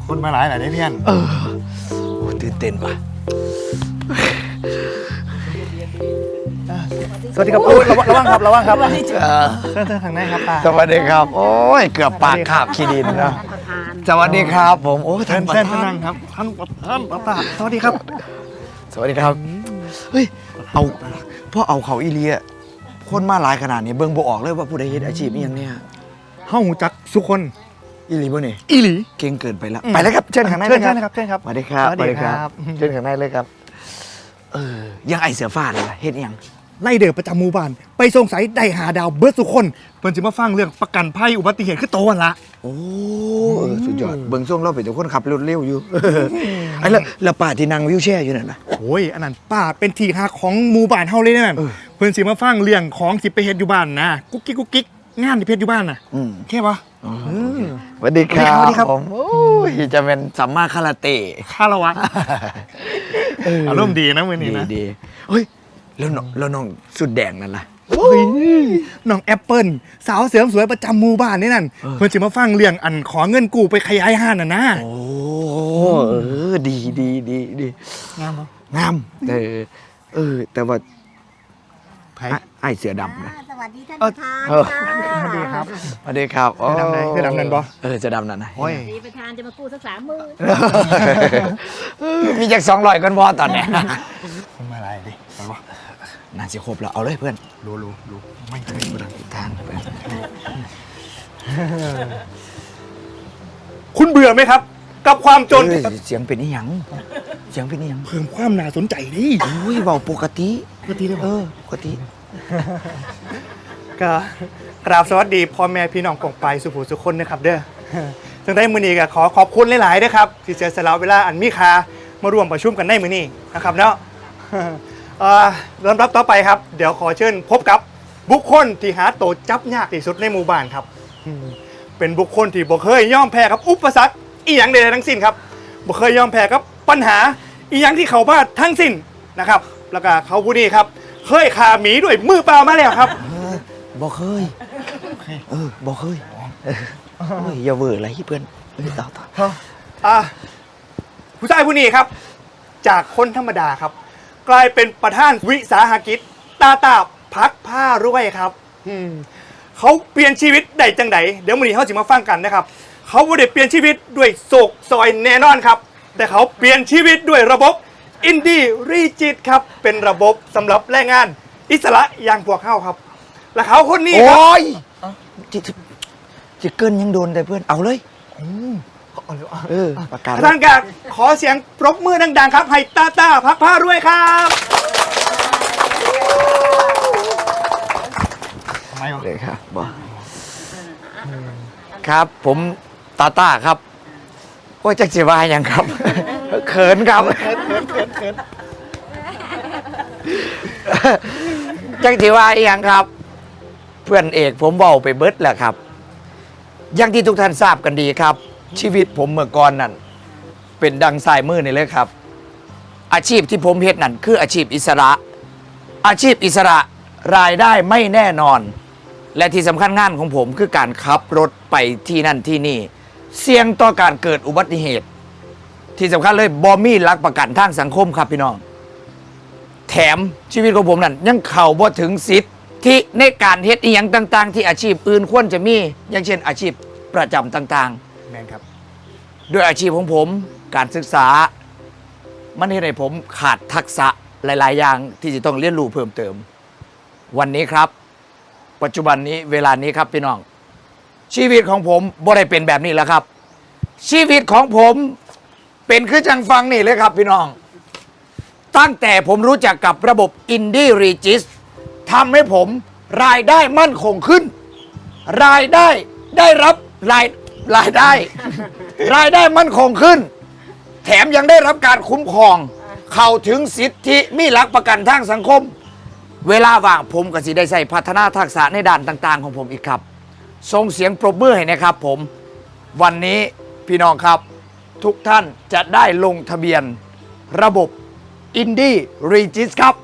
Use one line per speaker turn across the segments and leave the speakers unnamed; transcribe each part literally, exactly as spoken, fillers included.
คนมาหลายหลายได้เพี้ยน
เออโอ้ตื่นเต้นว่ะ
สวัสดีครับระวังครับระวังครับเชิญเชิญทางไหนครับป้า
สวัสดีครับโอ้ยเกือบปากขาบขี้ดินนะสวัสดีครับผมโอ้
เชิญเชิญนั่งครับท่านท่านป้าสวัสดีครับ
สวัสดีครับเฮ้ยเอาพ่อเอาเขาอีเลียคนมาหลายขนาดนี้เบิ่งบ่ออกเลยว่าผู้ใดเฮ็ดอาชีพอีหยังเนี่ย
เฮาจักสุคน
อีหลีบ่นี่
อีหลี
เก่งเกินไปแล้วไปแล้วครับเชิญข้างใน
เชิญครับเชิญครับ
สวัสดีครับสวัสดีครับเชิญข้างในเลยครับเออยังไอเสือฟ้าเลยล่ะเฮ็ดอีหยัง
ไล่เดือประจำหมู่บ้านไปสงสัยได้หาดาวเบิร์ดสุคนเพิ่นสิมาฟังเรื่องประกันภัยอุบัติเหตุคือโตวันละ
โอ้สุดยอดเบิ่งช่วงเราเป็นคนขับรถเร็วอยู่ไอ้แล้วแล้วป้าที่นั่งวิวแชร์อยู่นั่นน่ะ
โอ้ยอันนั้นป้าเป็นที่ฮักของหมู่บ้านเฮาเลยนั่นเพิ่นสิมาฟังเรื่องของสิไปเฮ็ดอยู่บ้านนะกุ๊กกิ๊กกุ๊กกิ๊กงานที่เพชรอยู่บ้านน่ะแค่ปะ
สวัสดีครับผมโอ้ยจะเป็นสัมมาคาราเต้
คารวะอารมณ์ดีนะมื้อนี้นะ
ดีเฮ้ยแล้วแล้วน้องสุดแดงนั่นล่ะ
น้องแอปเปิ้ลสาวเสริมสวยประจำหมู่บ้านนี่นั่นเพิ่นสิมาฟังเรื่องอันขอเงินกู้ไปขยายห้างน่ะนะ
โอ้เออดีดีดีดี
งามบ่
งามเออเออแต่ว่าไอ้เสือดำนะ
สวัสดีท่านประธานส
วัสดีครับ
สวัสดีครับ
เสือดำไหนเสือดำนั่นบ่
เออเสือดำนั่นนะ
วัสดีประธานจะมากู้สักสามหมื่น
มีจากสองร้อยกันบ่ตอนเนี้ย
คนมาอะไรดิไปวะ
นานสิครบแล้วเอาเลยเพื่อน
รู้รู้รู้
ไม่เคยมาทางเพื่อน
คุณเบื่อไหมครับกับความจน
เสียงเป็นอีหยังเสียงเป็นอีหยัง
เพิ่มความน่าสนใจดิ
โอ้ยเบาปกติ
ปกติเลย
เออปกติ
ก็กราบสวัสดีพ่อแม่พี่น้องกองไปสุภูสุคนนะครับเด้อจังได้มื้อนี้ก็ขอขอบคุณหลายๆนะครับที่เสียสละเวลาอันมีค่ามาร่วมประชุมกันในมื้อนี้นะครับเนาะเอ่อลำดับต่อไปครับเดี๋ยวขอเชิญพบกับบุคคลที่หาโตจับยากที่สุดในหมู่บ้านครับเป็นบุคคลที่บ่เคยยอมแพ้กับอุปสรรคอีหยังใดๆทั้งสิ้นครับบ่เคยยอมแพ้กับปัญหาอีหยังที่เขาพลาดทั้งสิ้นนะครับแล้วก็เขาผู้นี้ครับเคยฆ่าหมีด้วยมือเปล่ามาแล้วครับ
บ่เคยเออบ่เคยเฮ้ยอย่าเวอร์อะไรเพื่อนต่อต่อ
อ่ะผู้ชายผู้นี้ครับจากคนธรรมดาครับกลายเป็นประธานวิสาหกิจตาตาพักผ้ารวยครับเขาเปลี่ยนชีวิตได้จังไดเดี๋ยวมื้อนี้เขาจะมาฟังกันนะครับเขาไม่ได้เปลี่ยนชีวิตด้วยโศกซอยแน่นอนครับแต่เขาเปลี่ยนชีวิตด้วยระบบอินดี้รีจิตครับเป็นระบบสำหรับแรงงานอิสระอย่างพวกเขาครับและเขาคนนี้ครับ
โอ้ยจิจิเกินยังโดนแต่เพื่อนเอาเลยเออประกาศ
ท่านการขอเสียงปรบมือดังๆครับให้ตาตาพักผ้ารวยครับทำไม
เลยครับบอครับผมตาตาครับโอ้ยจักจีวาอย่างครับเขินครับ
เขินเขินเขินเขิน
จักจีวาอย่างครับเพื่อนเอกผมเบาไปเบิดแหละครับอย่างที่ทุกท่านทราบกันดีครับชีวิตผมเมื่อก่อนนั่นเป็นดังสายมือนี่เลยครับอาชีพที่ผมเฮ็ดนั่นคืออาชีพอิสระอาชีพอิสระรายได้ไม่แน่นอนและที่สำคัญงานของผมคือการขับรถไปที่นั่นที่นี่เสี่ยงต่อการเกิดอุบัติเหตุที่สำคัญเลยบอมีหลักประกันทางสังคมครับพี่น้องแถมชีวิตของผมนั่นยังเข้าบ่ถึงสิทธิ์ที่ในการเฮ็ดอีหยังต่างๆที่อาชีพอื่นควรจะมีอย่างเช่นอาชีพประจำต่าง
ๆแม่นครับ
ด้วยอาชีพของผมการศึกษามันเฮ็ดให้ผมขาดทักษะหลายๆอย่างที่จะต้องเรียนรู้เพิ่มเติมวันนี้ครับปัจจุบันนี้เวลานี้ครับพี่น้องชีวิตของผมบ่ได้เป็นแบบนี้แล้วครับชีวิตของผมเป็นคือจังฟังนี่เลยครับพี่น้องตั้งแต่ผมรู้จักกับระบบอินดี้รีจิสทำให้ผมรายได้มั่นคงขึ้นรายได้ได้รับรายรายได้ รายได้มั่นคงขึ้นแถมยังได้รับการคุ้มครองเข้าถึงสิทธิมีหลักประกันทางสังคมเวลาว่างผมก็สิได้ใส่พัฒนาทักษะในด้านต่างๆของผมอีกครับส่งเสียงปรบมือให้นะครับผมวันนี้พี่น้องครับทุกท่านจะได้ลงทะเบียนระบบอินดี้รีจิสครับ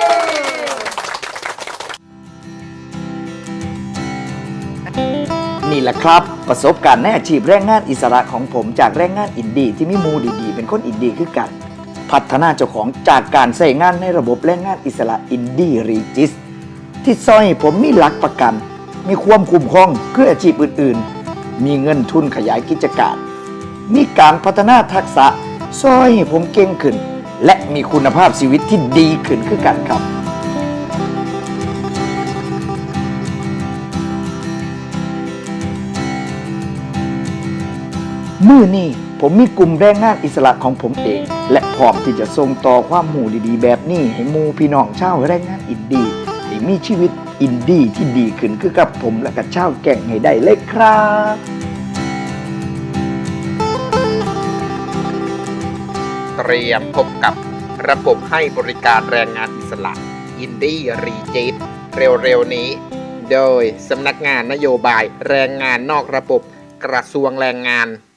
นนี่แหละครับประสบการณ์ในอาชีพแรงงานอิสระของผมจากแรงงานอินดี้ที่มีหมูดีๆเป็นคนอินดี้คือกันพัฒนาเจ้าของจากการใช้งานในระบบแรงงานอิสระอินดี้รีจิสที่ซอยผมมีหลักประกันมีความคุ้มครองคืออาชีพอื่นๆมีเงินทุนขยายกิจการมีการพัฒนาทักษะซอยให้ผมเก่งขึ้นและมีคุณภาพชีวิตที่ดีขึ้นคือกันครับมื้อนี้ผมมีกลุ่มแรงงานอิสระของผมเองและพร้อมที่จะส่งต่อความหมู่ดีๆแบบนี้ให้หมู่พี่น้องชาวแรงงานอินดี้ที่มีชีวิตอินดี้ที่ดีขึ้นคือกับผมและกับชาวแก่งให้ได้เลยครับ
เตรียมพบกับระบบให้บริการแรงงานอิสระอินดี้รีจิตเร็วๆนี้โดยสำนักงานนโยบายแรงงานนอกระบบกระทรวงแรงงาน